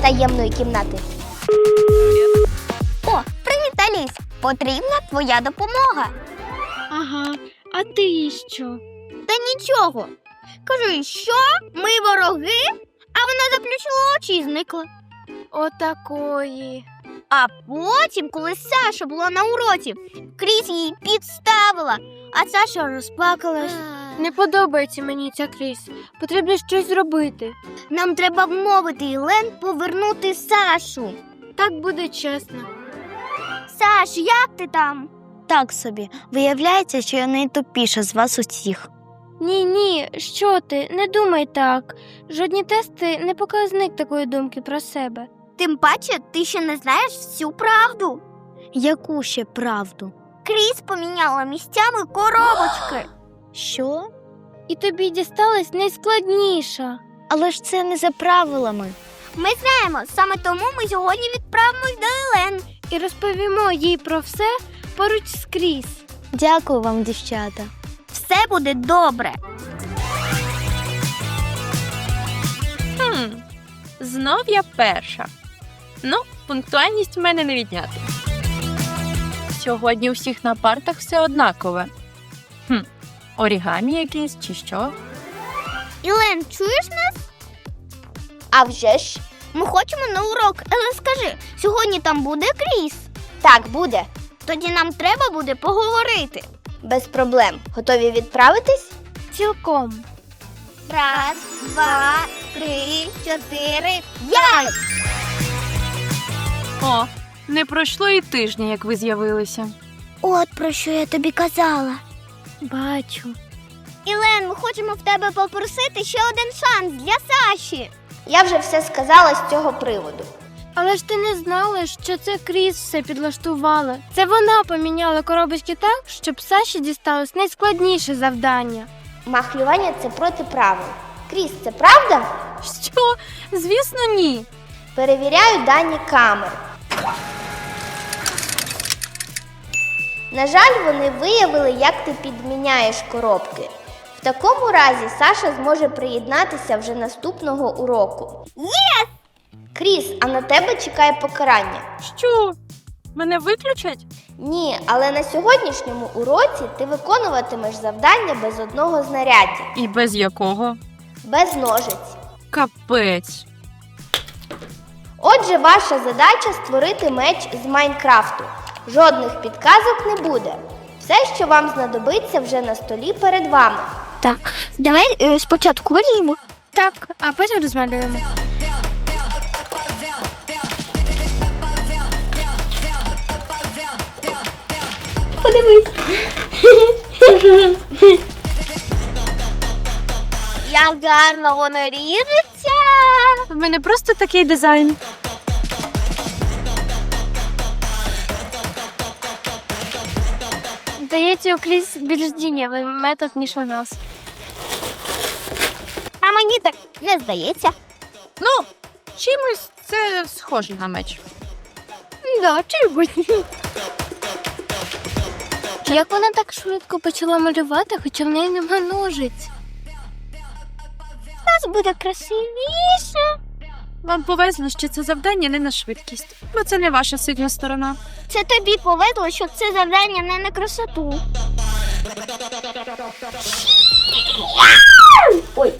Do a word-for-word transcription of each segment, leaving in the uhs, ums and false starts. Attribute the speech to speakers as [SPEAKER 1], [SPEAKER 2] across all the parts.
[SPEAKER 1] таємної кімнати. О, привіт, Аліс! Потрібна твоя допомога.
[SPEAKER 2] Ага, а ти що?
[SPEAKER 1] Та нічого. Кажу, що? Ми вороги? А вона заплющила очі і зникла.
[SPEAKER 2] Отакої.
[SPEAKER 1] А потім, коли Саша була на уроці, Кріс її підставила, а Саша розплакалась.
[SPEAKER 2] Не подобається мені ця Кріс. Потрібно щось зробити.
[SPEAKER 1] Нам треба вмовити Ілен повернути Сашу.
[SPEAKER 2] Так буде чесно.
[SPEAKER 1] Саш, як ти там?
[SPEAKER 3] Так собі. Виявляється, що я найтупіша з вас усіх.
[SPEAKER 2] Ні-ні, що ти, не думай так. Жодні тести не показник такої думки про себе.
[SPEAKER 1] Тим паче, ти ще не знаєш всю правду.
[SPEAKER 3] Яку ще правду?
[SPEAKER 1] Кріс поміняла місцями коробочки.
[SPEAKER 3] Що?
[SPEAKER 2] І тобі дісталась найскладніша.
[SPEAKER 3] Але ж це не за правилами.
[SPEAKER 1] Ми знаємо, саме тому ми сьогодні відправимось до Ілен.
[SPEAKER 2] І розповімо їй про все поруч з Кріс.
[SPEAKER 3] Дякую вам, дівчата.
[SPEAKER 1] Все буде добре.
[SPEAKER 4] Хм, знов я перша. Ну, пунктуальність в мене не відняти. Сьогодні у всіх на партах все однакове. Хм, орігамі якісь чи що?
[SPEAKER 1] Ілен, чуєш нас? А вже ж. Ми хочемо на урок, але скажи, сьогодні там буде Кріс? Так, буде. Тоді нам треба буде поговорити. Без проблем. Готові відправитись?
[SPEAKER 2] Цілком.
[SPEAKER 1] Раз, два, три, чотири, п'ять!
[SPEAKER 4] О, не пройшло і тижня, як ви з'явилися.
[SPEAKER 1] От про що я тобі казала.
[SPEAKER 2] Бачу.
[SPEAKER 1] Ілен, ми хочемо в тебе попросити ще один шанс для Саші. Я вже все сказала з цього приводу.
[SPEAKER 2] Але ж ти не знала, що це Кріс все підлаштувала. Це вона поміняла коробочки так, щоб Саші дісталось найскладніше завдання.
[SPEAKER 1] Махлювання – це проти правил. Кріс, це правда?
[SPEAKER 4] Що? Звісно, ні.
[SPEAKER 1] Перевіряю дані камер. На жаль, вони виявили, як ти підміняєш коробки. В такому разі Саша зможе приєднатися вже наступного уроку. Єс! Кріс, а на тебе чекає покарання.
[SPEAKER 4] Що? Мене виключать?
[SPEAKER 1] Ні, але на сьогоднішньому уроці ти виконуватимеш завдання без одного знаряддя.
[SPEAKER 4] І без якого?
[SPEAKER 1] Без ножиць.
[SPEAKER 4] Капець.
[SPEAKER 1] Отже, ваша задача – створити меч з Майнкрафту. Жодних підказок не буде. Все, що вам знадобиться, вже на столі перед вами.
[SPEAKER 2] Так,
[SPEAKER 1] Давай е, спочатку виріжемо.
[SPEAKER 2] так, а потім розмалюємо.
[SPEAKER 1] Подивись. Як гарно воно ріжеться.
[SPEAKER 4] В мене просто такий дизайн.
[SPEAKER 2] Здається, у Кріс більш дієвий метод, ніж у нас.
[SPEAKER 1] А мені так не здається.
[SPEAKER 4] Ну, чимось це схоже на меч.
[SPEAKER 2] Да, чимось. Як вона так швидко почала малювати, хоча в неї нема ножиць?
[SPEAKER 1] У нас буде красивіше.
[SPEAKER 4] Вам повезло, що це завдання не на швидкість, бо це не ваша сильна сторона.
[SPEAKER 1] Це тобі повезло, що це завдання не на красоту. Ой.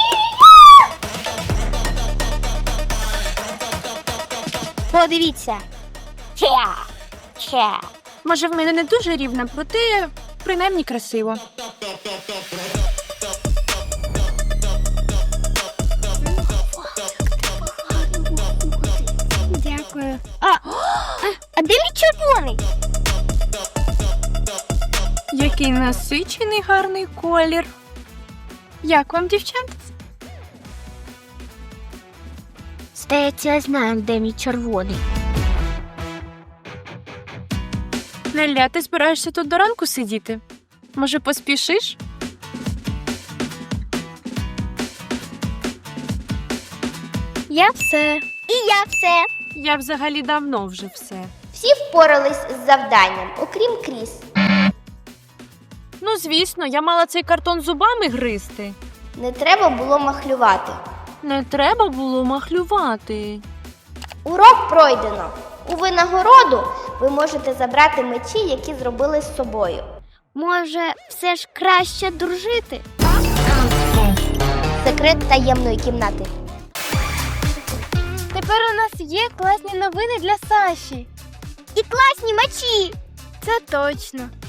[SPEAKER 1] Подивіться. Ча. Ча.
[SPEAKER 4] Може, в мене не дуже рівна, проте принаймні красиво.
[SPEAKER 2] Дякую.
[SPEAKER 1] А, а де мій червоний?
[SPEAKER 4] Який насичений гарний колір. Як вам, дівчата?
[SPEAKER 1] Здається, я знаю, де мій червоний.
[SPEAKER 4] Неля, ти збираєшся тут до ранку сидіти? Може, поспішиш?
[SPEAKER 2] Я все.
[SPEAKER 1] І я все.
[SPEAKER 4] Я взагалі давно вже все.
[SPEAKER 1] Всі впорались з завданням, окрім Кріс.
[SPEAKER 4] Ну, звісно, я мала цей картон зубами гризти.
[SPEAKER 1] Не треба було махлювати.
[SPEAKER 4] Не треба було махлювати.
[SPEAKER 1] Урок пройдено. У винагороду ви можете забрати мечі, які зробили з собою.
[SPEAKER 2] Може, все ж краще дружити?
[SPEAKER 1] Секрет таємної кімнати.
[SPEAKER 2] Тепер у нас є класні новини для Саші.
[SPEAKER 1] І класні мечі!
[SPEAKER 2] Це точно.